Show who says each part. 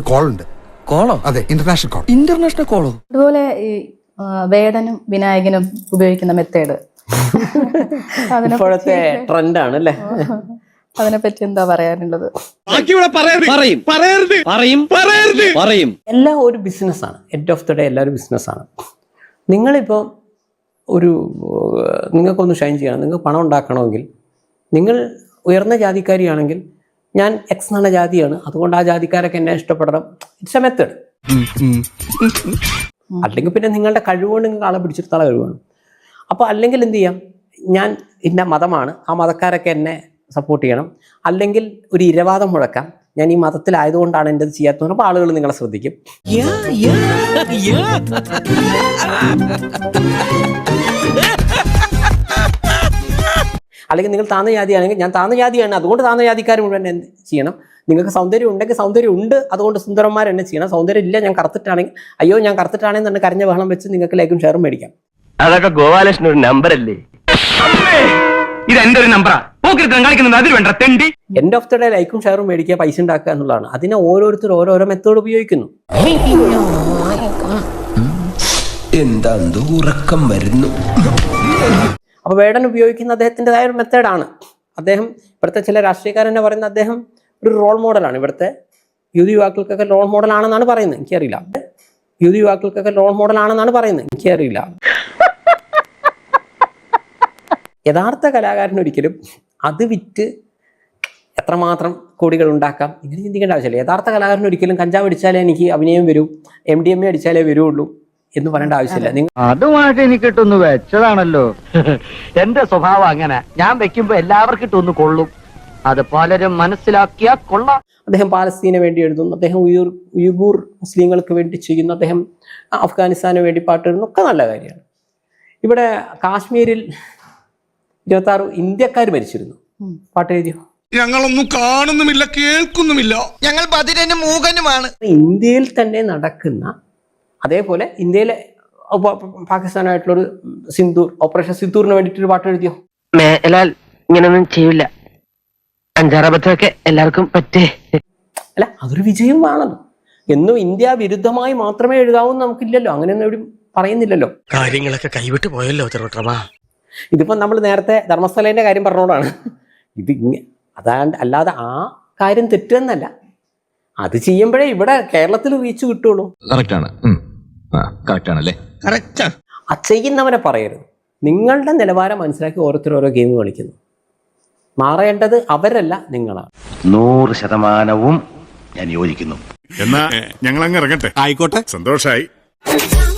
Speaker 1: Call ഉണ്ട്.
Speaker 2: കോളോ?
Speaker 1: അതെ, international call.
Speaker 2: International കോളോ?
Speaker 3: അതുപോലെ ഈ വേടനും വിനായകനും ഉപയോഗിക്കുന്ന മെത്തേഡ്
Speaker 4: ഇപ്പോഴത്തെ ട്രെൻഡാണ് അല്ലേ?
Speaker 3: അതിനെപ്പറ്റി എന്താ പറയാനുള്ളത്?
Speaker 2: പറയും.
Speaker 4: എല്ലാം ഒരു ബിസിനസ്സാണ്. എൻഡ് ഓഫ് ദ ഡേ എല്ലാവരും ബിസിനസ്സാണ്. നിങ്ങളിപ്പോൾ നിങ്ങൾക്കൊന്ന് ഷൈൻ ചെയ്യണം, നിങ്ങൾക്ക് പണം ഉണ്ടാക്കണമെങ്കിൽ, നിങ്ങൾ ഉയർന്ന ജാതിക്കാരിയാണെങ്കിൽ ഞാൻ എക്സ് എന്ന ജാതിയാണ്, അതുകൊണ്ട് ആ ജാതിക്കാരൊക്കെ എന്നെ ഇഷ്ടപ്പെടണം. It's A method. അല്ലെങ്കിൽ പിന്നെ നിങ്ങളുടെ കഴിവുകൊണ്ട് നിങ്ങൾക്ക് ആളെ പിടിച്ചെടുത്താളെ കഴിവാണ്. അപ്പോൾ അല്ലെങ്കിൽ എന്ത് ചെയ്യാം, ഞാൻ ഇന്ന മതമാണ്, ആ മതക്കാരൊക്കെ എന്നെ സപ്പോർട്ട് ചെയ്യണം. അല്ലെങ്കിൽ ഒരു ഇരവാദം മുഴക്കാം, ഞാൻ ഈ മതത്തിലായതുകൊണ്ടാണ് എൻ്റെ ഇത് ചെയ്യാത്തത്. അപ്പോൾ ആളുകൾ നിങ്ങളെ ശ്രദ്ധിക്കും. അല്ലെങ്കിൽ നിങ്ങൾ താന്ന ജാതിയാണെങ്കിൽ ഞാൻ താന്ന ജാതിയാണ്, അതുകൊണ്ട് താന്ന ജാതിക്കാർ മുഴുവൻ എന്ത് ചെയ്യണം. നിങ്ങൾക്ക് സൗന്ദര്യം ഉണ്ടെങ്കിൽ സൗന്ദര്യം ഉണ്ട്, അതുകൊണ്ട് സുന്ദരന്മാർ എന്നെ ചെയ്യണം. സൗന്ദര്യം ഇല്ല, ഞാൻ കറുത്തിട്ടാണെങ്കിൽ അയ്യോ ഞാൻ കറുത്തിട്ടാണെങ്കിൽ തന്നെ കരഞ്ഞ ബഹളം വെച്ച് നിങ്ങൾക്ക് ലൈക്കും ഷെയറും മേടിക്കാം.
Speaker 5: അതൊക്കെ ഗോപാലകൃഷ്ണൻ ഒരു നമ്പർ അല്ലേ? ഇത് എന്റെ ഒരു നമ്പറാ.
Speaker 4: എൻഡ് ഓഫ് ദ ഡേ ലൈക്കും ഷെയറും മേടിക്കുക, പൈസ ഉണ്ടാക്കുക എന്നുള്ളതാണ്. അതിനെ ഓരോരുത്തർ ഓരോരോ മെത്തേഡ് ഉപയോഗിക്കുന്നു.
Speaker 6: എന്താ ഉറക്കം വരുന്നു.
Speaker 4: അപ്പോൾ വേടൻ ഉപയോഗിക്കുന്ന അദ്ദേഹത്തിൻ്റെതായ ഒരു മെത്തേഡാണ്. അദ്ദേഹം ഇവിടുത്തെ ചില രാഷ്ട്രീയക്കാരെന്നെ പറയുന്നത് അദ്ദേഹം ഒരു റോൾ മോഡലാണ്. ഇവിടുത്തെ യുവാക്കൾക്കൊക്കെ റോൾ മോഡലാണെന്നാണ് പറയുന്നത്. എനിക്കറിയില്ല. യുവാക്കൾക്കൊക്കെ റോൾ മോഡലാണെന്നാണ് പറയുന്നത്. എനിക്കറിയില്ല. യഥാർത്ഥ കലാകാരനൊരിക്കലും അത് വിറ്റ് എത്രമാത്രം കോടികൾ ഉണ്ടാക്കാം ഇങ്ങനെ ചിന്തിക്കേണ്ട ആവശ്യമില്ല. യഥാർത്ഥ കലാകാരനൊരിക്കലും കഞ്ചാവ് അടിച്ചാലേ എനിക്ക് അഭിനയം വരൂ, MDMA അടിച്ചാലേ വരുള്ളൂ എന്ന് പറയേണ്ട ആവശ്യമില്ല.
Speaker 5: അതുമായിട്ട് എനിക്ക് ഇട്ടൊന്ന് വെച്ചതാണല്ലോ. എന്റെ സ്വഭാവം അങ്ങനെ, ഞാൻ വെക്കുമ്പോ എല്ലാവർക്കും ഇട്ടൊന്ന് കൊള്ളും. അത് പലരും മനസ്സിലാക്കിയാ കൊള്ളാം.
Speaker 4: അദ്ദേഹം പാലസ്തീനെ വേണ്ടി എഴുതുന്നു, അദ്ദേഹം ഉയ്ഗൂർ മുസ്ലിങ്ങൾക്ക് വേണ്ടി ചെയ്യുന്നു, അദ്ദേഹം അഫ്ഗാനിസ്ഥാന് വേണ്ടി പാട്ട് എഴുതുന്നു. ഒക്കെ നല്ല കാര്യമാണ്. ഇവിടെ കാശ്മീരിൽ 26 ഇന്ത്യക്കാർ മരിച്ചിരുന്നു. പാട്ട് എഴുതിയോ?
Speaker 1: ഞങ്ങളൊന്നും കാണുന്നുമില്ല, കേൾക്കുന്നുമില്ല.
Speaker 6: ഞങ്ങൾ ബധിരനും മൂകനുമാണ്.
Speaker 4: ഇന്ത്യയിൽ തന്നെ നടക്കുന്ന, അതേപോലെ ഇന്ത്യയിലെ പാകിസ്ഥാനായിട്ടുള്ളൊരു ഓപ്പറേഷൻ സിന്ദൂറിന് വേണ്ടിയിട്ടൊരു പാട്ട് എഴുതിയോ?
Speaker 5: മേലാൽ ഇങ്ങനൊന്നും ചെയ്യില്ല, അഞ്ചാറബദ്ധമൊക്കെ എല്ലാവർക്കും പറ്റേ.
Speaker 4: അല്ല, അതൊരു വിജയമാണല്ലോ. എന്നും ഇന്ത്യ വിരുദ്ധമായി മാത്രമേ എഴുതാവൂ നമുക്കില്ലല്ലോ, അങ്ങനെയൊന്നും എവിടെയും പറയുന്നില്ലല്ലോ.
Speaker 2: കാര്യങ്ങളൊക്കെ കൈവിട്ട് പോയല്ലോ തിരുവട്ടമാ.
Speaker 4: ഇതിപ്പം നമ്മൾ നേരത്തെ ധർമ്മസ്ഥലേന്റെ കാര്യം പറഞ്ഞോടാണ് ഇത്. അതാണ്ട് അല്ലാതെ ആ കാര്യം തെറ്റെന്നല്ല, അത് ചെയ്യുമ്പോഴേ ഇവിടെ കേരളത്തിൽ റീച്ച് കിട്ടുള്ളൂ. ആ ചെയ്യുന്നവനെ പറയരുത്. നിങ്ങളുടെ നിലവാരം മനസ്സിലാക്കി ഓരോരുത്തർ ഓരോ ഗെയിം കളിക്കുന്നു. മാറേണ്ടത് അവരല്ല, നിങ്ങളാണ്.
Speaker 5: 100% ഞാൻ യോജിക്കുന്നു.
Speaker 1: എന്നാ ഞങ്ങൾ അങ്ങ് ഇറങ്ങട്ടെ. ആയിക്കോട്ടെ, സന്തോഷായി.